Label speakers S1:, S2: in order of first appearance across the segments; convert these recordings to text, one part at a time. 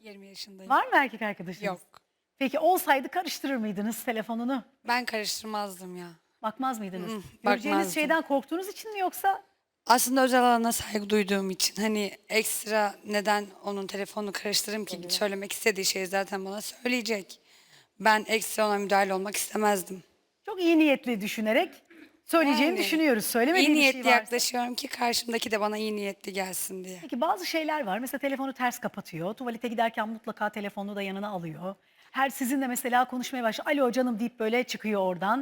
S1: 20 yaşındayım.
S2: Var mı erkek arkadaşınız?
S1: Yok.
S2: Peki olsaydı karıştırır mıydınız telefonunu?
S1: Ben karıştırmazdım ya.
S2: Bakmaz mıydınız?
S1: Mm,
S2: Göreceğiniz
S1: bakmazdım.
S2: şeyden korktuğunuz için mi yoksa?
S1: Aslında özel alana saygı duyduğum için hani ekstra neden onun telefonunu karıştırayım ki söylemek istediği şeyi zaten bana söyleyecek. Ben ekstra ona müdahale olmak istemezdim.
S2: Çok iyi niyetli düşünerek söyleyeceğini
S1: Yani,
S2: düşünüyoruz.
S1: İyi
S2: Söylemediği bir
S1: niyetli
S2: şey varsa.
S1: yaklaşıyorum ki karşımdaki de bana iyi niyetli gelsin diye.
S2: Peki bazı şeyler var. Mesela telefonu ters kapatıyor. Tuvalete giderken mutlaka telefonunu da yanına alıyor. Her sizinle mesela konuşmaya başlıyor. Alo canım deyip böyle çıkıyor oradan.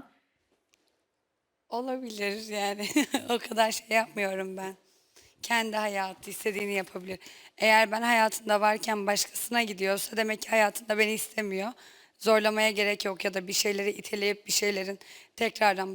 S1: Olabilir yani. O kadar şey yapmıyorum ben. Kendi hayatı istediğini yapabilir. Eğer ben hayatında varken başkasına gidiyorsa demek ki hayatında beni istemiyor. Zorlamaya gerek yok ya da bir şeyleri iteleyip bir şeylerin tekrardan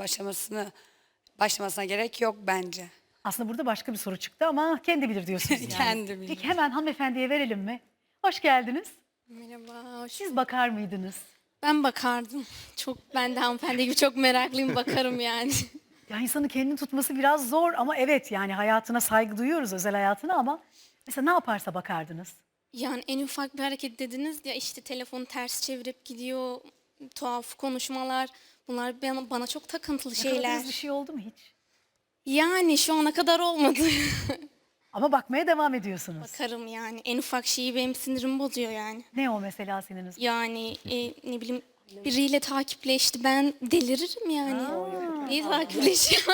S1: başlamasına gerek yok bence.
S2: Aslında burada başka bir soru çıktı ama kendi bilir diyorsunuz yani.
S1: Kendi bilir.
S2: Peki hemen hanımefendiye verelim mi? Hoş geldiniz.
S3: Merhaba, hoş.
S2: Siz bakar mıydınız?
S3: Ben bakardım. Ben de hanımefendi gibi çok meraklıyım, bakarım yani.
S2: Ya insanın kendini tutması biraz zor ama evet yani hayatına saygı duyuyoruz, özel hayatına, ama mesela ne yaparsa bakardınız.
S3: Yani en ufak bir hareket dediniz ya, işte telefonu ters çevirip gidiyor, tuhaf konuşmalar. Bunlar bana çok takıntılı şeyler.
S2: Yakaladığınız bir şey oldu mu hiç?
S3: Yani şu ana kadar olmadı.
S2: Ama bakmaya devam ediyorsunuz.
S3: Bakarım yani. En ufak şeyi benim sinirimi bozuyor yani.
S2: Ne o mesela siniriniz?
S3: Yani ne bileyim, biriyle takipleşti. Ben deliririm yani. Niye takipleşiyor?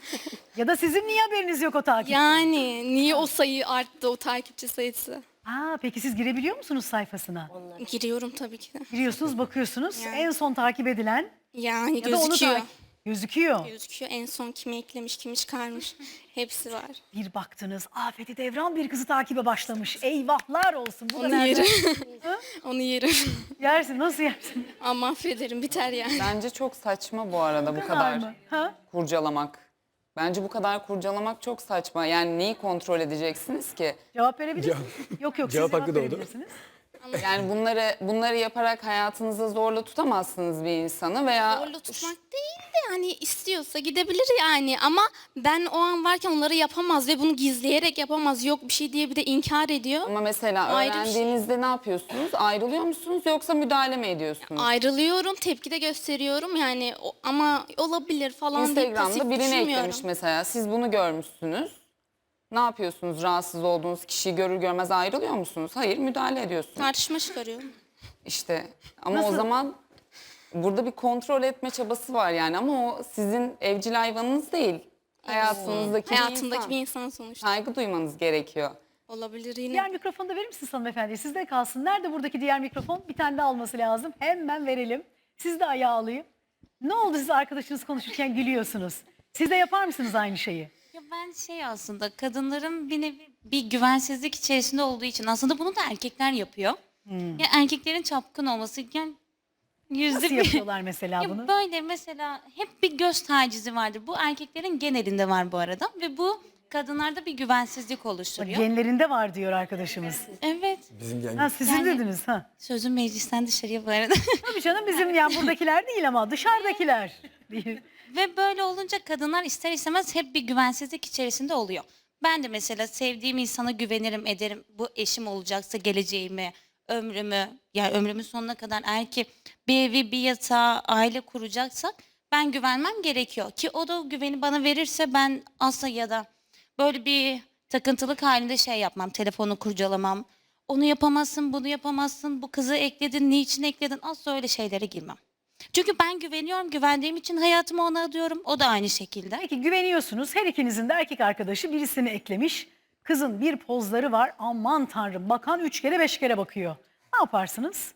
S2: Ya da sizin niye haberiniz yok o takip?
S3: Yani niye o sayı arttı, o takipçi sayısı?
S2: Peki siz girebiliyor musunuz sayfasına?
S3: Giriyorum tabii ki de.
S2: Giriyorsunuz, bakıyorsunuz.
S3: Yani.
S2: En son takip edilen
S3: Yani
S2: ya da onu
S3: gözüküyor.
S2: gözüküyor.
S3: Gözüküyor. En son kimi eklemiş, kimi çıkarmış. Hepsi var.
S2: Bir baktınız, Afeti Devran bir kızı takibe başlamış. Eyvahlar olsun. Bu da
S3: Onu
S2: nereden?
S3: yerim. Onu yerim.
S2: Yersin, nasıl yersin?
S3: Ama affederim, biter yani.
S4: Bence çok saçma bu arada bu
S2: Kadar
S4: kadar
S2: mı? Ha?
S4: kurcalamak. Bence bu kadar kurcalamak çok saçma. Yani neyi kontrol edeceksiniz ki?
S2: Cevap verebilirsiniz. Yok yok, siz
S5: Cevap
S2: cevap
S5: hakkı doğdu.
S2: verebilirsiniz.
S4: Yani bunları yaparak hayatınızda zorla tutamazsınız bir insanı veya
S3: Zorla tutmak değil de yani istiyorsa gidebilir yani. Ama ben o an varken onları yapamaz ve bunu gizleyerek yapamaz. Yok bir şey diye bir de inkar ediyor.
S4: ama mesela
S3: Ayrı bir şey.
S4: öğrendiğinizde ne yapıyorsunuz? Ayrılıyor musunuz yoksa müdahale mi ediyorsunuz?
S3: Ayrılıyorum, tepki de gösteriyorum yani, ama olabilir falan diye pasif
S4: Instagram'da birini
S3: düşünmüyorum.
S4: eklemiş mesela. Siz bunu görmüşsünüz. Ne yapıyorsunuz? Rahatsız olduğunuz kişiyi görür görmez ayrılıyor musunuz? Hayır, müdahale ediyorsunuz.
S3: Tartışma çıkarıyorum.
S4: İşte ama
S2: Nasıl?
S4: o zaman burada bir kontrol etme çabası var yani, ama o sizin evcil hayvanınız değil. Hayatınızdaki
S3: Hayatımdaki bir
S4: bir insan.
S3: insan sonuçta.
S4: Saygı duymanız gerekiyor.
S3: Olabilir yine.
S2: Diğer mikrofonu da verir misiniz hanımefendi? Sizde kalsın. Nerede buradaki diğer mikrofon? Bir tane de alması lazım. Hemen verelim. Siz de ayağı alayım. Ne oldu, siz arkadaşınız konuşurken gülüyorsunuz? Siz de yapar mısınız aynı şeyi?
S6: Ya ben aslında kadınların bir nevi bir güvensizlik içerisinde olduğu için aslında bunu da erkekler yapıyor. Ya erkeklerin çapkın olması, yani yüzde
S2: Nasıl
S6: bir.
S2: yapıyorlar mesela
S6: Ya
S2: bunu?
S6: böyle mesela hep bir göz tacizi vardır. Bu erkeklerin genelinde var bu arada ve bu kadınlarda bir güvensizlik
S2: Bak,
S6: oluşturuyor.
S2: genlerinde var diyor arkadaşımız.
S6: Evet.
S5: Bizim yani
S2: Ha, sizin
S6: Yani-
S2: dediniz ha.
S6: Sözüm meclisten dışarıya bu arada.
S2: Tabii canım, bizim yani buradakiler değil ama dışarıdakiler. Değil.
S6: Ve böyle olunca kadınlar ister istemez hep bir güvensizlik içerisinde oluyor. Ben de mesela sevdiğim insana güvenirim, ederim. Bu eşim olacaksa geleceğimi, ömrümü, yani ömrümün sonuna kadar, eğer ki bir evi, bir yatağı, aile kuracaksak ben güvenmem gerekiyor. Ki o da o güveni bana verirse ben asla ya da böyle bir takıntılık halinde şey yapmam, telefonu kurcalamam. Onu yapamazsın, bunu yapamazsın, bu kızı ekledin, niçin ekledin, asla öyle şeylere girmem. Çünkü ben güveniyorum, güvendiğim için hayatımı ona adıyorum. O da aynı şekilde.
S2: Peki güveniyorsunuz. Her ikinizin de erkek arkadaşı birisini eklemiş. Kızın bir pozları var. Aman tanrım, bakan 3 kere 5 kere bakıyor. Ne yaparsınız?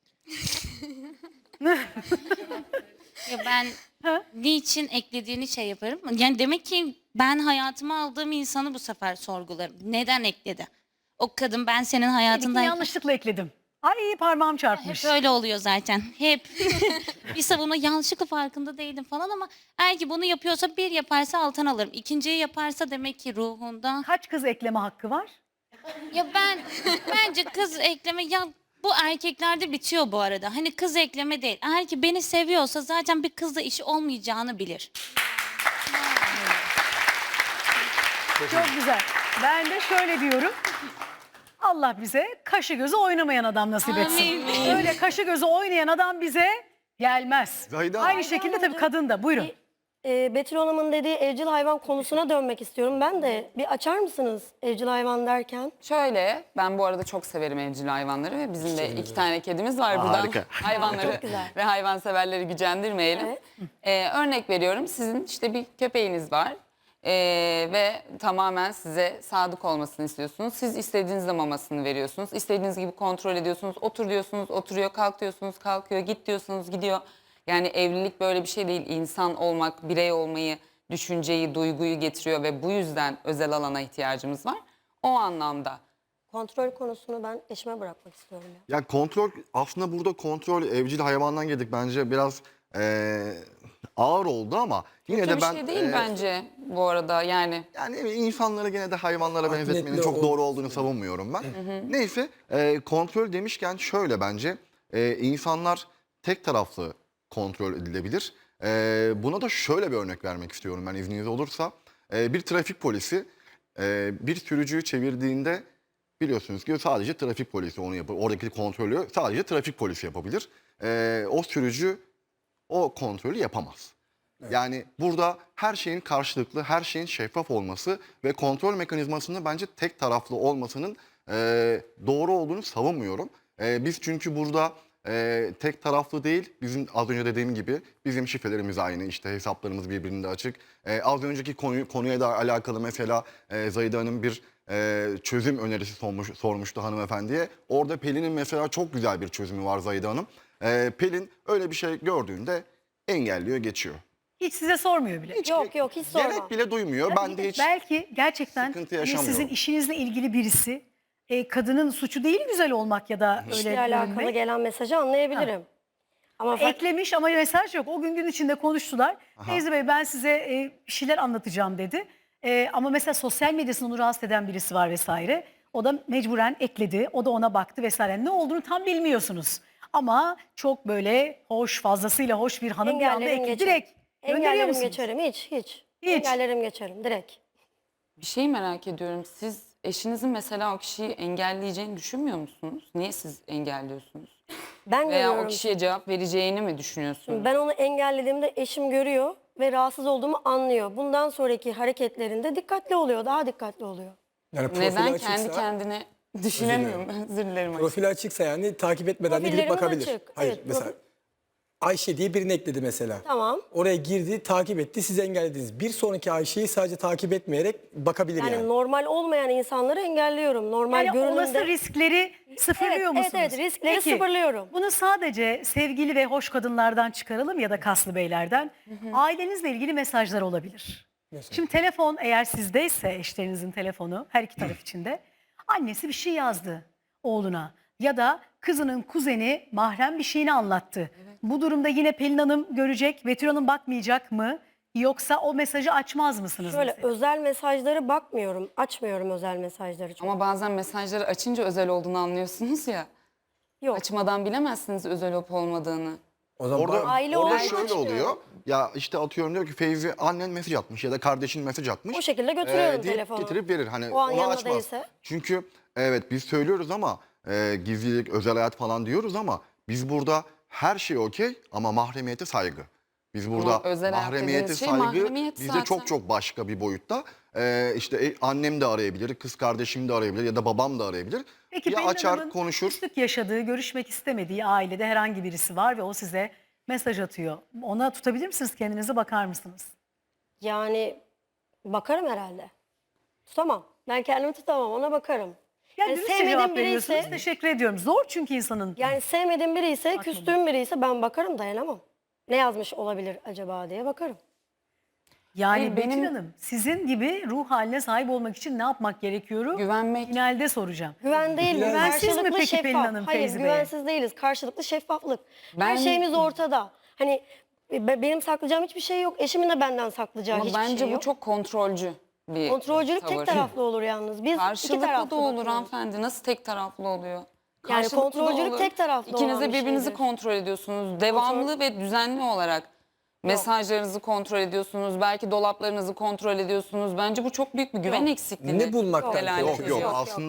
S6: Ya ben niçin eklediğini şey yaparım. Yani demek ki ben hayatıma aldığım insanı bu sefer sorgularım. Neden ekledi? O kadın ben senin
S2: Dedik ki
S6: hayatındayken...
S2: yanlışlıkla ekledim. Ay parmağım çarpmış.
S6: Hep öyle oluyor zaten. Hep. Bir savunma yanlışlıkla farkında değilim falan, ama eğer ki bunu yapıyorsa, bir yaparsa alttan alırım. İkinciyi yaparsa demek ki ruhunda.
S2: Kaç kız ekleme hakkı var?
S6: Ya bence kız ekleme, ya bu erkeklerde bitiyor bu arada. Hani kız ekleme değil. Eğer ki beni seviyorsa zaten bir kızla işi olmayacağını bilir.
S2: Çok güzel. Ben de şöyle diyorum. Allah bize kaşı gözü oynamayan adam nasip etsin.
S6: Amin.
S2: Öyle kaşı gözü oynayan adam bize gelmez.
S5: Zahide
S2: Aynı
S5: Hanım.
S2: şekilde tabii kadın da. Buyurun.
S7: Betül Hanım'ın dediği evcil hayvan konusuna dönmek istiyorum. Ben de bir açar mısınız evcil hayvan derken?
S4: Şöyle, ben bu arada çok severim evcil hayvanları ve bizim de 2 tane kedimiz var buradan.
S5: Harika.
S4: Hayvanları
S7: Çok güzel.
S4: ve hayvanseverleri gücendirmeyelim. Örnek veriyorum, sizin işte bir köpeğiniz var ve tamamen size sadık olmasını istiyorsunuz. Siz istediğinizde mamasını veriyorsunuz. İstediğiniz gibi kontrol ediyorsunuz. Otur diyorsunuz, oturuyor. Kalk diyorsunuz, kalkıyor. Git diyorsunuz, gidiyor. Yani evlilik böyle bir şey değil. İnsan olmak, birey olmayı, düşünceyi, duyguyu getiriyor ve bu yüzden özel alana ihtiyacımız var. O anlamda.
S7: Kontrol konusunu ben eşime bırakmak istiyorum. Ya.
S5: Ya kontrol, aslında burada kontrol evcil hayvandan geldik, bence biraz ağır oldu ama yine
S4: Kötü
S5: de
S4: bir
S5: ben
S4: şey değil bence bu arada yani.
S5: yani insanları gene de hayvanlara benzetmenin
S8: Adaletli
S5: çok
S8: ol-
S5: doğru olduğunu savunmuyorum ben. Neyse, kontrol demişken şöyle, bence insanlar tek taraflı kontrol edilebilir. Buna da şöyle bir örnek vermek istiyorum ben, izniniz olursa. Bir trafik polisi bir sürücüyü çevirdiğinde, biliyorsunuz ki sadece trafik polisi onu yapar. Oradaki kontrolü sadece trafik polisi yapabilir. O sürücü o kontrolü yapamaz. Yani burada her şeyin karşılıklı, her şeyin şeffaf olması ve kontrol mekanizmasının bence tek taraflı olmasının doğru olduğunu savunmuyorum. Biz çünkü burada tek taraflı değil, bizim az önce dediğim gibi bizim şifrelerimiz aynı, işte hesaplarımız birbirinde açık. Az önceki konuya da alakalı mesela Zahide Hanım bir çözüm önerisi sormuştu hanımefendiye. Orada Pelin'in mesela çok güzel bir çözümü var Zahide Hanım. Pelin öyle bir şey gördüğünde engelliyor, geçiyor.
S2: Hiç size sormuyor bile.
S7: Yok hiç sorma.
S5: Gerek bile duymuyor. Ben de hiç
S2: Belki gerçekten
S5: sıkıntı
S2: hani
S5: yaşamıyorum.
S2: sizin işinizle ilgili birisi kadının suçu değil güzel olmak ya da öyle
S7: İşle alakalı
S2: görünmek.
S7: gelen mesajı anlayabilirim. Ama
S2: Eklemiş ama mesaj yok. O gün içinde konuştular. Teyze Bey ben size bir şeyler anlatacağım dedi. Ama mesela sosyal medyasını onu rahatsız eden birisi var vesaire. O da mecburen ekledi. O da ona baktı vesaire. Ne olduğunu tam bilmiyorsunuz. Ama çok böyle hoş, fazlasıyla hoş bir hanım bir anda
S7: engellerim
S2: ekledi.
S7: geçerim.
S2: Direkt gönderiyor
S7: Engellerim
S2: musunuz?
S7: geçerim hiç.
S2: Hiç.
S7: Engellerim geçerim direkt.
S4: Bir şey merak ediyorum. Siz eşinizin mesela o kişiyi engelleyeceğini düşünmüyor musunuz? Niye siz engelliyorsunuz?
S7: Ben
S4: Veya o
S7: görüyorum.
S4: kişiye cevap vereceğini mi düşünüyorsunuz?
S7: Ben onu engellediğimde eşim görüyor ve rahatsız olduğumu anlıyor. Bundan sonraki hareketlerinde dikkatli oluyor, daha dikkatli oluyor.
S8: Yani profili
S4: Neden
S8: açıksa,
S4: kendi kendine düşünemiyorum? Özür dilerim.
S8: profili açıksa yani takip etmeden de gidip
S7: Profillerimiz
S8: bakabilir.
S7: açık,
S8: Hayır
S7: evet,
S8: mesela Ayşe diye birini ekledi mesela.
S7: Tamam.
S8: Oraya girdi, takip etti, siz engellediniz. Bir sonraki Ayşe'yi sadece takip etmeyerek bakabilir yani.
S7: Yani normal olmayan insanları engelliyorum. Normal
S2: Yani olası
S7: görünümde.
S2: riskleri sıfırlıyor
S7: Evet,
S2: musunuz?
S7: evet, riskleri
S2: Peki,
S7: sıfırlıyorum.
S2: Bunu sadece sevgili ve hoş kadınlardan çıkaralım ya da kaslı beylerden. Ailenizle ilgili mesajlar olabilir. Şimdi telefon eğer sizdeyse eşlerinizin telefonu her iki taraf içinde. Annesi bir şey yazdı oğluna ya da kızının kuzeni mahrem bir şeyini anlattı. Bu durumda yine Pelin Hanım görecek, Betül Hanım bakmayacak mı? Yoksa o mesajı açmaz mısınız?
S7: Şöyle
S2: mesela?
S7: özel mesajları bakmıyorum. Açmıyorum özel mesajları çok.
S4: Ama bazen mesajları açınca özel olduğunu anlıyorsunuz ya.
S7: Yok.
S4: Açmadan bilemezsiniz özel olup olmadığını.
S8: O zaman
S5: Orada,
S7: Aile
S5: orada
S7: olduğunu
S5: şöyle
S7: açmıyorum.
S5: oluyor. Ya işte atıyorum, diyor ki Feyzi annen mesaj atmış ya da kardeşin mesaj atmış.
S7: O şekilde götürüyorum
S5: deyip
S7: telefonu.
S5: getirip verir. Hani
S7: O an
S5: onu
S7: yanında
S5: açmaz.
S7: değilse.
S5: Çünkü evet biz söylüyoruz ama gizlilik, özel hayat falan diyoruz ama biz burada her şey okey ama mahremiyete saygı. Biz burada
S4: özel hayat
S5: mahremiyete
S4: dediğiniz şey
S5: saygı
S4: mahremiyet
S5: bizde
S4: zaten.
S5: çok çok başka bir boyutta. İşte annem de arayabilir, kız kardeşim de arayabilir ya da babam da arayabilir.
S2: Peki
S5: ya
S2: Pelin
S5: açar
S2: Hanım'ın
S5: konuşur.
S2: küslük yaşadığı, görüşmek istemediği ailede herhangi birisi var ve o size mesaj atıyor. Ona tutabilir misiniz kendinize, bakar mısınız?
S7: Yani bakarım herhalde. Tutamam. Ben kendimi tutamam. Ona bakarım.
S2: Yani
S7: Yani
S2: dürüstçe
S7: sevmediğim
S2: cevap
S7: biri
S2: veriyorsunuz.
S7: ise-
S2: Teşekkür ediyorum. Zor çünkü insanın.
S7: Yani sevmediğim biri ise,
S2: Bakmadım.
S7: küstüğüm biri ise ben bakarım, dayanamam. Ne yazmış olabilir acaba diye bakarım.
S2: Yani
S4: Hayır,
S2: Betül
S4: benim-
S2: Hanım sizin gibi ruh haline sahip olmak için ne yapmak gerekiyor?
S4: Güvenmek.
S2: Finalde soracağım.
S7: Güven değil mi?
S2: Güvensiz mi
S7: Karşılıklı
S2: peki
S7: şeffaf.
S2: Pelin Hanım
S7: Hayır,
S2: Feyzi Bey'e?
S7: güvensiz değiliz. Karşılıklı şeffaflık. Her
S4: Ben-
S7: şeyimiz ortada. Hani benim saklayacağım hiçbir şey yok. Eşimin de benden saklayacağı
S4: Ama
S7: hiçbir
S4: bence
S7: şey
S4: bu
S7: yok.
S4: çok kontrolcü bir
S7: Kontrolcülük
S4: tavır.
S7: tek taraflı olur yalnız. Biz iki
S4: Karşılıklı
S7: taraflı
S4: da olur
S7: bakıyoruz.
S4: hanımefendi. Nasıl tek taraflı oluyor?
S7: Yani
S4: Karşılıklı da
S7: kontrolcülük
S4: olur.
S7: tek taraflı
S4: İkiniz
S7: olan
S4: de
S7: bir
S4: birbirinizi
S7: şeydir.
S4: kontrol ediyorsunuz. Devamlı ve düzenli olarak mesajlarınızı kontrol ediyorsunuz. Belki dolaplarınızı kontrol ediyorsunuz. Bence bu çok büyük bir güven eksikliği.
S8: Ne bulmaktan
S4: delalet
S5: Yok
S8: korkuyorsun?
S5: yok,
S4: ediyor.
S5: aslında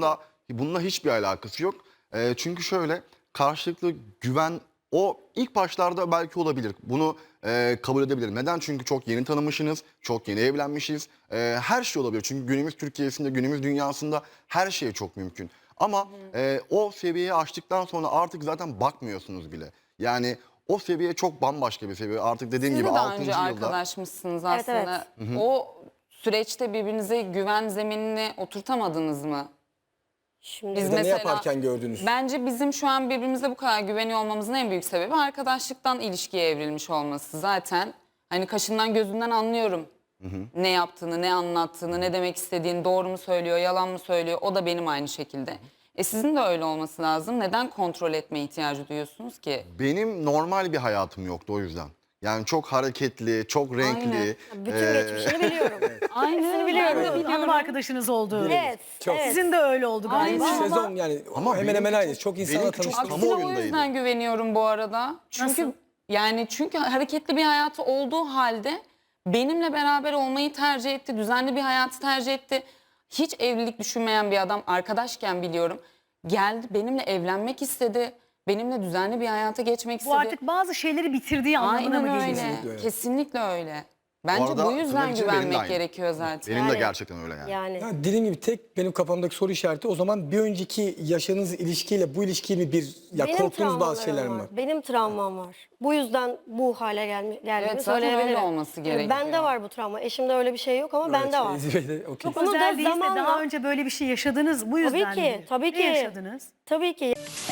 S5: Bununla hiçbir alakası yok. Çünkü şöyle, karşılıklı güven o ilk başlarda belki olabilir. Bunu kabul edebilirim. Neden? Çünkü çok yeni tanımışsınız, çok yeni evlenmişiz. Her şey olabilir. Çünkü günümüz Türkiye'sinde, günümüz dünyasında her şey çok mümkün. Ama o seviyeyi aştıktan sonra artık zaten bakmıyorsunuz bile. Yani o seviye çok bambaşka bir seviye. Artık dediğim
S4: Siz
S5: gibi
S4: de daha
S5: 6.
S4: önce
S5: yılda.
S4: arkadaşmışsınız
S7: Evet,
S4: aslında. O süreçte birbirinize güven zeminini oturtamadınız mı?
S7: Şimdi
S4: Biz
S8: Ya da ne
S4: mesela-
S8: yaparken gördünüz?
S4: Bence bizim şu an birbirimize bu kadar güveniyor olmamızın en büyük sebebi arkadaşlıktan ilişkiye evrilmiş olması. Zaten hani kaşından gözünden anlıyorum ne yaptığını, ne anlattığını, ne demek istediğini, doğru mu söylüyor, yalan mı söylüyor. O da benim aynı şekilde. Sizin de öyle olması lazım. Neden kontrol etme ihtiyacı duyuyorsunuz ki?
S5: Benim normal bir hayatım yoktu o yüzden. Yani çok hareketli, çok renkli.
S7: bütün geçmişini biliyorum.
S4: Aynen.
S7: biliyorum.
S2: Hanım arkadaşınız olduğu.
S7: Evet,
S8: Çok.
S7: evet.
S2: Sizin de öyle oldu galiba.
S4: Aynen.
S2: Ama
S8: Sezon yani
S5: Ama
S8: hemen hemen
S5: benimki
S8: aynı.
S5: çok-
S8: Çok insanla
S5: benimki çok
S8: tanıştım.
S4: Aksine o
S5: kamuoyundaydı.
S4: yüzden güveniyorum bu arada. Çünkü çünkü hareketli bir hayatı olduğu halde benimle beraber olmayı tercih etti. Düzenli bir hayatı tercih etti. Hiç evlilik düşünmeyen bir adam, arkadaşken biliyorum. Geldi benimle evlenmek istedi. Benimle düzenli bir hayata geçmek
S2: bu
S4: istedi.
S2: artık bazı şeyleri bitirdiği anlamına mı
S4: Aynen
S2: geliyor?
S4: öyle.
S8: Kesinlikle öyle.
S4: Kesinlikle öyle. Bence
S5: arada
S4: bu
S5: tırnak
S4: yüzden
S5: içinde benim de
S4: güvenmek
S5: aynı.
S4: gerekiyor zaten.
S5: Benim de
S7: Yani-
S5: gerçekten öyle yani.
S7: Yani
S8: Ya dediğim gibi tek benim kafamdaki soru işareti o zaman bir önceki yaşadığınız ilişkiyle bu ilişkiyi mi
S7: benim
S8: korktuğunuz bazı şeyler
S7: travmalarım
S8: mi
S7: var.
S8: var?
S7: Benim travmam var. Bu yüzden bu hale geldiğimi
S4: Evet, zaten öyle
S7: söyleyebilirim.
S4: olması
S7: Yani
S4: gerekiyor.
S7: bende var bu travma. Eşimde öyle bir şey yok ama bende var.
S8: Zirvede, okey.
S2: Çok
S7: Bunu da
S2: özel değilse
S7: zamanla-
S2: daha önce böyle bir şey yaşadınız. Bu yüzden
S7: Tabii ki,
S2: mi?
S7: tabii
S2: Ne
S7: ki.
S2: yaşadınız?
S7: Tabii ki.